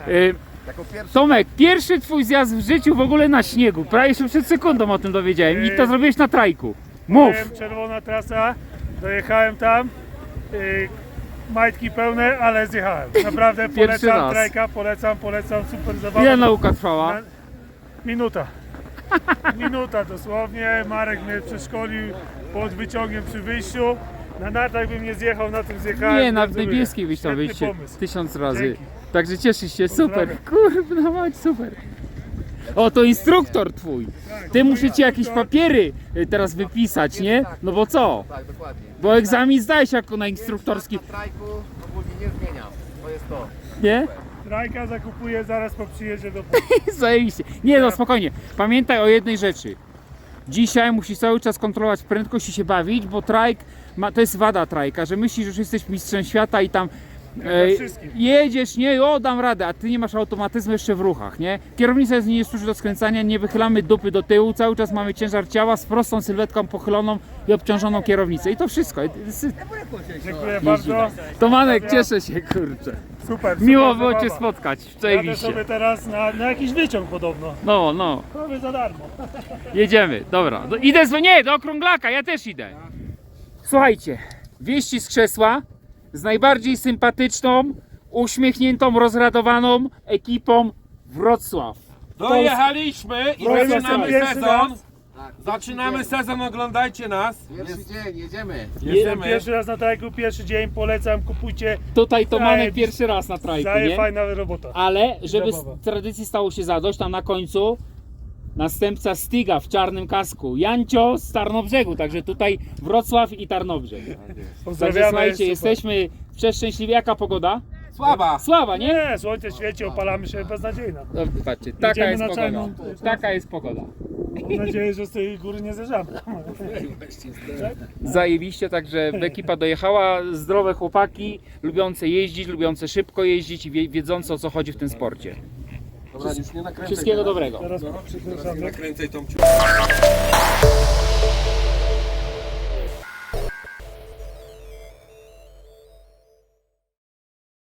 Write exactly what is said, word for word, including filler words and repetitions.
Y, Tomek, pierwszy twój zjazd w życiu w ogóle na śniegu. Prawie się przed sekundą o tym dowiedziałem. I to zrobiłeś na trajku. Mów! Byłem, czerwona trasa, dojechałem tam, yy, majtki pełne, ale zjechałem. Naprawdę Pierwszy polecam raz. trajka, polecam, polecam, super zabawa. Ile nauka trwała? Na- Minuta. Minuta dosłownie. Marek mnie przeszkolił pod wyciągiem przy wyjściu. Na nartach bym nie zjechał, na tym zjechałem. Nie, na w Gratuluję. niebieskiej byś tam Świetny wyjście pomysł. tysiąc razy. Dzięki. Także cieszysz się, super. Pozdrawiam. Kurwa, mać, super. O, to instruktor twój. Ty muszę ci jakieś papiery y, teraz wypisać, nie? No bo co? Tak, dokładnie. Bo egzamin zdajesz jako na instruktorski, Na trajku ogólnie nie zmieniam. To jest to. nie? Trajka zakupuję zaraz po przyjeździe do Zajebiście. Nie no, spokojnie. Pamiętaj o jednej rzeczy. Dzisiaj musisz cały czas kontrolować prędkość i się bawić, bo trajk, ma, to jest wada trajka, że myślisz, że już jesteś mistrzem świata i tam e, wszystkim. jedziesz, nie, o dam radę, a ty nie masz automatyzmu jeszcze w ruchach, nie? Kierownica jest nie służy do skręcania, nie wychylamy dupy do tyłu, cały czas mamy ciężar ciała z prostą sylwetką pochyloną i obciążoną kierownicę i to wszystko. Dziękuję bardzo. Tomanek, cieszę się, kurczę. Super, super Miło było zabawa. cię spotkać, Jadę cześć. sobie teraz na, na jakiś wyciąg podobno. No, no. Prawie za darmo. Jedziemy, dobra. Do, idę z... Nie, do Okrąglaka, ja też idę. Słuchajcie, wieści z krzesła z najbardziej sympatyczną, uśmiechniętą, rozradowaną ekipą Wrocław. Dojechaliśmy i Wrocław zaczynamy pierwszy sezon. raz. Tak, Zaczynamy sezon, oglądajcie nas. Pierwszy dzień, jedziemy. Jestem Jedziemy. pierwszy raz na trajku, pierwszy dzień, polecam, kupujcie. Tutaj Tomanek Zajebiście. pierwszy raz na trajku, Daje nie? fajna robota. Ale żeby Zabawa. z tradycji stało się zadość, tam na końcu następca Stiga w czarnym kasku. Jancio z Tarnobrzegu, także tutaj Wrocław i Tarnobrzeg. Także Pozdrawiamy. słuchajcie, super. jesteśmy przeszczęśliwi. Jaka pogoda? Słaba. Sława, nie? Nie, słońce świeci, opalamy się, beznadziejna. No, patrzcie, taka Jedziemy jest na pogoda. czarną- Taka jest pogoda. Mam nadzieję, że z tej góry nie zeżamy. Zajebiście, także ekipa dojechała, zdrowe chłopaki, lubiące jeździć, lubiące szybko jeździć i wie- wiedzące o co chodzi w tym sporcie. Dobra, już nie nakręcaj. Wszystkiego dobrego. Teraz przepraszam. Nakręcaj tą ciu.